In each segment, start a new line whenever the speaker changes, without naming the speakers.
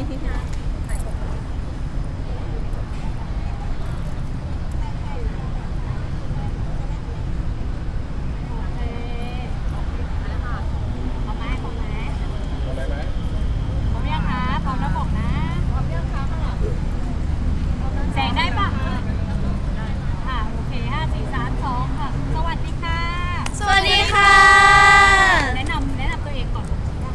แสงได้ปะโอเค5 4 3 2ค่ะสวัสดีค่ะ
สวัสดีค่ะ
แนะนำตัวเองก่อน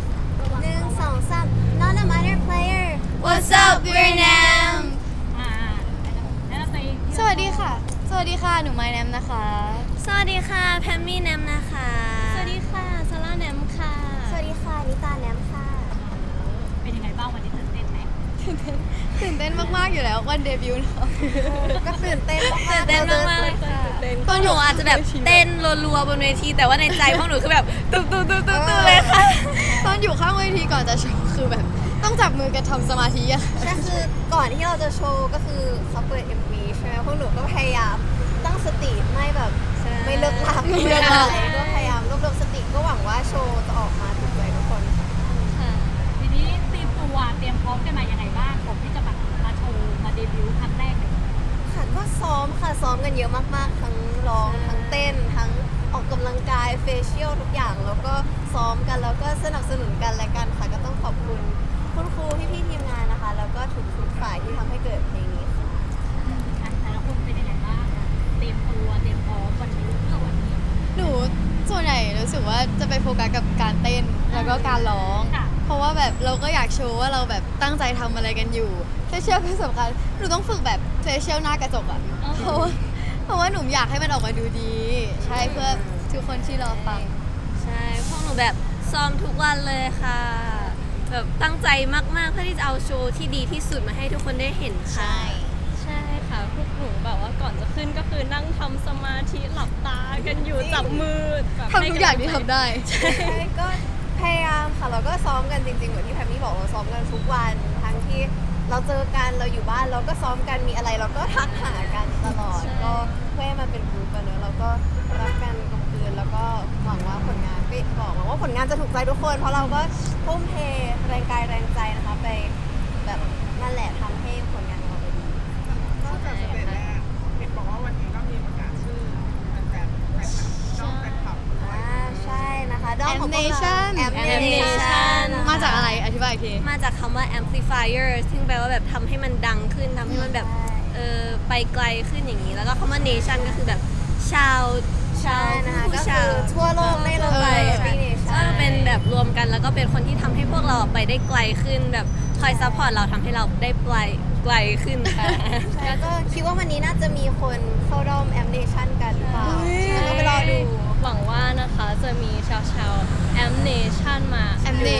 1 2 3 not a minor player
What's up we're Nam
แนะนำตัวเอง
สวัสดีค่ะ สวัสดีค่ะ หนูไมแนมนะคะ
สวัสดีค่ะแพมมี่แนมนะคะ
สวัสดีค่ะซาร่าแนมค่ะ
สวัสดีค่ะนิตาแนมค่ะ
เป็นยังไงบ้างวันนี้ตื่นเต้นไหม
ตื่นเต้นมากๆอยู่แล้ววันเดบิวต์เนาะ
ก็ตื่นเต้นมาก
ตื่นเต้นมากๆเลยค่ะพวกหนูอาจจะแบบเต้นรัวๆบนเวทีแต่ว่าในใจพวกหนูคือแบบตุ๊บๆๆๆเลยค่ะ ตอนอยู่ข้างเวทีก่อนจะโชว์คือแบบต้องจับมือกันทำสมาธิอะ
ใช่คือก่อนที่เราจะโชว์ก็คือเขาเปิด MV ใช่ไหมพวกหนูก็พยายามตั้งสติไม่แบบไม่เลิกลากไม่อะไรก็พยายามรวบรวมสติก็หวังว่าโชว์จะออกมาถูกใจทุกคนค่ะ
ทีนี้เตรียมพร้อมกันมายังไงบ้างผมที่จะแบบมาโชว์มาเดบิวต์ครั้งแรกเลย
ค่ะก็ซ้อมกันเยอะมากๆทั้งร้องทั้งเต้นทั้งออกกำลังกายเฟเชียลทุกอย่างแล้วก็ซ้อมกันแล้วก็สนับสนุนกันและกันค่ะก็ต้องขอบคุณคุณครูพี่ๆทีมงานนะคะแล้วก็ทุกฝ่ายที่ทำให้เกิดเพลงนี้ค่ะ
แต่ละคนเป็นยังไงบ้างเตรียมพร้อมวันนี้เพื่อวันนี้
หนูส่วนใหญ่รู้สึกว่าจะไปโฟกัสกับการเต้นแล้วก็การร้อง เพราะว่าแบบเราก็อยากโชว์ว่าเราแบบตั้งใจทำอะไรกันอยู่เฟเชียลก็สำคัญหนูต้องฝึกแบบเฟเชียลหน้ากระจกอะเพราะว่าหนูอยากให้มันออกมาดูดี ใช่เพื่อทุกคนที่รอฟัง
ใช่พวกหนูแบบซ้อมทุกวันเลยค่ะแบบตั้งใจมากๆเพื่อที่จะเอาโชว์ที่ดีที่สุดมาให้ทุกคนได้เห็นค่ะ
ใช่ค่ะพวกหนูแบบว่าก่อนจะขึ้นก็คือนั่งทำสมาธิหลับตากันอยู่จับมือแบบ
ทำทุกอย่างที่ทำได้
ใช่ก็พยายามค่ะเราก็ซ้อมกันจริงๆเหมือนที่แพมมี่บอกเราซ้อมกันทุกวันทั้งที่เราเจอกันเราอยู่บ้านเราก็ซ้อมกันมีอะไรเราก็ทักหากันตลอดก็เพื่อให้มันเป็นกรุ๊ปกันเนอะเราก็รักกันกลมกลืนแล้วก็หวังว่าผลงานหวังว่าผลงานจะถูกใจทุกคนเพราะเราก็ทุ่มเทแรงกายแรงใจนะคะไปแบบนั่นแหละทำให้ผลงานของเราไปดี
นอกจากสเตจแรกเห็นบอกว่าวันนี้ก็มีประกาศชื่อแฟนๆน้องแฟนคลับด้วย
ใช่นะคะด้อมของพวกเรา
Amnation
Amnation
มาจากอะไรอธิบายอีกที
มาจากคำว่า amplifier ซึ่งแปลว่าแบบทำให้มันดังขึ้นทำให้มันแบบไปไกลขึ้นอย่างนี้ แล้วก็คำว่า nation ก็คือแบบชาว
ใช่นะคะ
ผู้
ก็
ชา
คือ
ว
ทั่วโลกได้เลย
ใช่ ก็เป็นแบบรวมกันแล้วก็เป็นคนที่ทำให้พวกเราไปได้ไกลขึ้นแบบคอยซัพพอร์ตเราทำให้เราได้ไกลขึ้นค่ะ
แล้วก็คิดว่าวันนี้น่าจะมีคนเข้าด้อม Amnation กันหรือเปล่าแล้วก็ไปรอดู
หวังว่านะคะจะมีชาวแอมเนชั่นมา
แอมเน่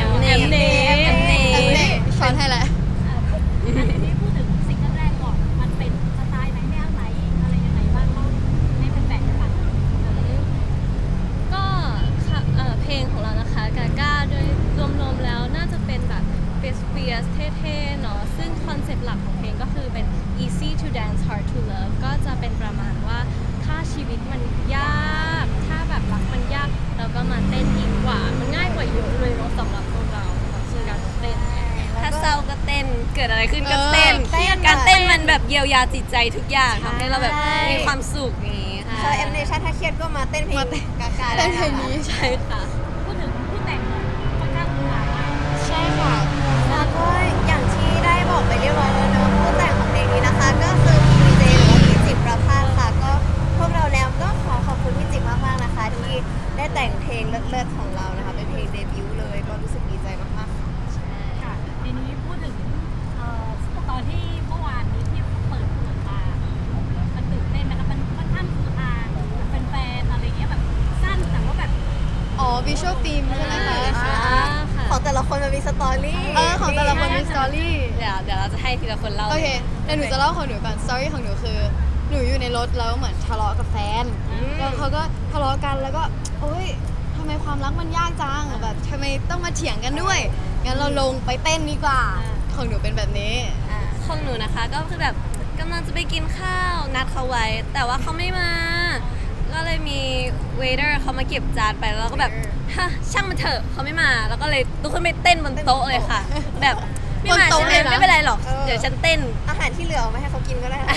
ช้อนให้แหละ
ทีนี้พูดถึงซิงเกิลแรกก่อนมันเป็นสไตล์ไหนแนวไหนอะไรยังไงบ้างเล่าให้แฟนๆได้ฟัง
ก็ค่ะเพลงของเรานะคะกาก้าโดยรวมๆแล้วน่าจะเป็นแบบเฟียสเท่ๆเนาะซึ่งคอนเซ็ปต์หลักของเพลงก็คือเป็น easy to dance hard to love ก็จะเป็นประมาณว่าถ้าชีวิตมันยากถ้าแบบรักมันยากเราก็มาเต้นดีกว่ามันง่ายกว่าเยอะเลยเนาะสำหรับพวกเราคือการเต้นเนี่ย
ถ้าเศร้าก็เต้นเกิดอะไรขึ้นก็เต้น
เต้น
การเต้นมันแบบเยียวยาจิตใจทุกอย่างทำให้เราแบบ
ใช่
มีความสุขอย่างนี้ค่ะ
ชาว Amnation ถ้าเครียดก็มาเต้นเพลงกากา
เต้นเพลงนี้
ใช่ค่ะ
พูดถึงผู้แต่งหน่อยค่อนข้างหลากหลาย
ใช่ค่ะ
แล้วก็อย่างที่ได้บอกไปเรียบร้อยแล้วเนอะผู้แต่งของเพลงนี้นะคะ ก็คือพี่เจหรือว่าพี่จิตรประภาสค่ะก็พวกเราแล้วก็ขอขอบคุณพี่จิตรมากๆนะคะ ที่ได้แต่งเพลงเลิศๆของเรานะคะเป็นเพลงเดบิวต์เลยก็รู้สึกดีใจมากๆค่ะ
ค่ะทีนี้พูดถึงตอนที่เมื่อวานนี้ที่เปิดมามันตื่นเต้นนะคะมันค่อนข้างคือฮาแฟนๆอะไรเงี้ยแบบสั้นแต่ว่าแบบ
อ๋อ visual theme ใช่ไหมคะ
ของแต่ละคนมันมีสตอรี่
ของแต่ละคนมีสตอรี่
เดี๋ยวเราจะให้ทีละคนเล่า
โอเคเดี๋ยวหนูจะเล่าของหนูก่อน สตอรี่ของหนูคือ หนูอยู่ในรถแล้วเหมือนทะเลาะกับแฟน แล้วเขาก็ทะเลาะกันแล้วก็โอ๊ยทำไมความรักมันยากจังแบบทำไมต้องมาเถียงกันด้วย งั้นเราลงไปเต้นดีกว่า ของหนูเป็นแบบนี้
ของหนูนะคะก็คือแบบกำลังจะไปกินข้าวนัดเขาไว้ แต่ว่าเขาไม่มา ก็เลยมีเวเตอร์เขามาเก็บจานไปแล้วเราก็แบบฮะช่างมันเถอะเขาไม่มา แล้วก็เลยลุกขึ้นไปเต้นบนโต๊ะเลยค่ะ แบบไม่มา
บนโต๊ะ
ใช่ไหม
เลยนะ
ไม่เป็นไรหรอก
เออ
เดี๋ยวฉันเต้น
อาหารที่เหลือเอามาให้เขากินก็ได้นะ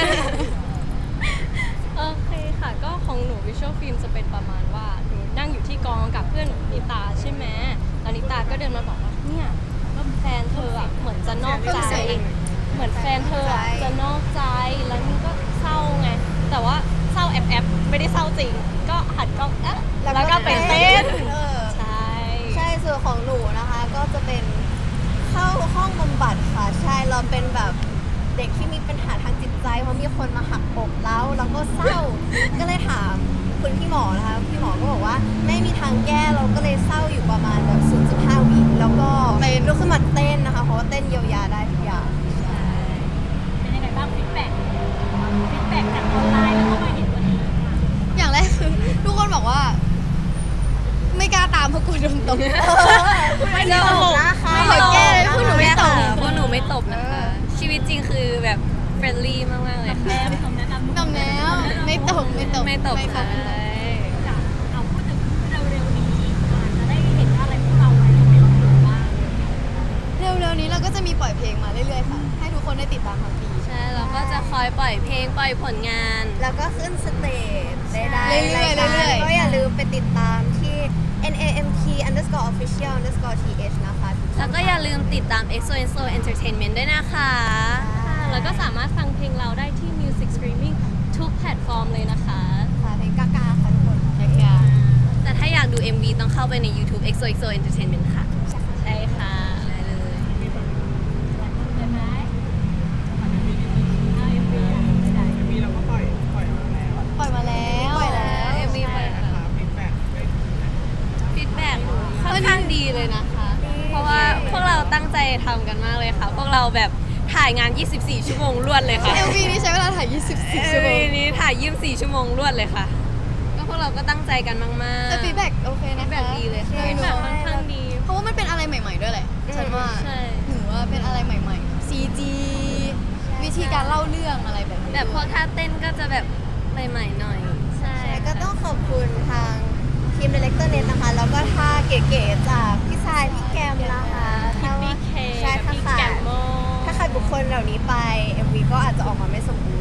โอเคค่ะ ก็ของหนูวิชวลฟิล์มจะเป็นประมาณว่าหนูนั่งอยู่ที่กองกับเพื่อนหนูนิตาใช่ไหมแล้วนิตาก็เดินมาบอกว่าเนี่ยก็แฟนเธออะเหมือนจะนอกใจ เหมือนแฟนเธออะจะนอกใจ แล้วนี่ก็เศร้าไง แต่ว่าเศร้าแอบไม่ได้เศร้าจริง ก็หันกล้องแล้วก็ไปเต้น
เออ
ใช่
ใช่ส่วนของหนูนะคะ ก็จะเป็นเข้าห้องบำบัดค่ะ ใช่เราเป็นแบบเด็กที่มีปัญหาทางจิตใจเพราะมีคนมาหักอกแล้วก็เศร้า ก็เลยถามคุณพี่หมอนะคะพี่หมอก็บอกว่าไม่มีทางแก้เราก็เลยเศร้าอยู่ประมาณแบบ 0.5 วิแล้วก็ลุกขึ้นมาเต้นนะคะเพราะว่าเต้นเยียวยาได้ทุกอย่าง
เป็นยังไงบ้างฟีดแบ็กจากออนไลน์แล้วก็มาเห็นวันนี้
อย่างแรกคือทุกคนบอกว่า ไม่กล้าตามเพราะกลัวโดนตบ
ไม่ตลกนะคะ
ขอแก้เลยพวกหนูไม่ตบ
พวกหนูไม่ตบนะคะ ชีวิตจริงคือแบบเฟรนลี่มากๆเลย
แม่
ค่ะ
คำแนะนำ
ตบแล้วไม่ตบ
ไม่ตบ
ไม่
ค่ะ
จ้ะเอาพูดถึงเร็วๆนี้อาจจะได้เห็นอะไรพวกเราในโซเชียลมีเดียบ้าง
เร็วๆนี้เราก็จะมีปล่อยเพลงมาเรื่อยๆค่ะ ให้ทุกคนได้ติดตามทั้งปี
ใช่เราก็จะคอยปล่อยเพลงปล่อยผลงาน
แล้วก็ขึ้นสเตจได้
เรื่อยๆ
รายการ
เรื่อยๆ
ก็อย่าลืมไปติดตามที่ NAMT_official_th นะคะ
แล้วก็อย่าลืมติดตาม EXO Entertainment ด้วยนะคะ
แล้วก็สามารถฟังเพลงเราได้ที่ Music Streaming ทุกแพลตฟอร์มเลยนะคะ
ค่ะเพลงกากาค่ะทุกคน
แต่ถ้าอยากดู MV ต้องเข้าไปใน YouTube EXO Entertainment ค่ะ
ใช่ค่ะ
ได้เลย
ได้ไหมเอาเอ็มวีอ่ะไม่ได้
มีเราก็ปล่อยมาแล้ว
ปล่อยมาแล้ว
ปล่อยแล้ว
MV ปล่อยแล้ว
นะคะฟีดแบ็กได้
ฟีดแบ็กค่อนข้างดีเลยนะคะ เพราะว่าพวกเราตั้งใจทำกันมากเลยค่ะ พวกเราแบบถ่ายงาน 24 ชั่วโมงรวดเลยค่ะ
MV นี้ใช้เวลาถ่าย 24 ชั่วโม
MV
ง
นี้ถ่าย 24 ชั่วโมงรวดเลยค่ะ ก็พวกเราก็ตั้งใจกันมากๆ
แต่ฟีดแบ็กโอเคนะคะ
feedback ดีเลยค่ะ
หนู
แบบค่อนข้างดี
เพราะว่ามันเป็นอะไรใหม่ๆด้วยแหละ ฉันว่า
ใช่
หนูว่าเป็นอะไรใหม่ๆ CG วิธีการเล่าเรื่องอะไรแบบนี้
แบบพวกท่าเต้นก็จะแบบใหม่ๆหน่อย
ใช่
ใช่ก็ต้องขอบคุณทางทีมดีเลกเตอร์เน็ตนะคะ แล้วก็ท่าเก๋ๆจากพี่ทรายพี่แกมนะคะ
พี่เค
ใช่
กับ
ถ้า
พี่
ขา
แก
ด
มโม
ถ้าขาดบุคคลเหล่านี้ไป MV ก็อาจจะออกมาไม่สมบูรณ์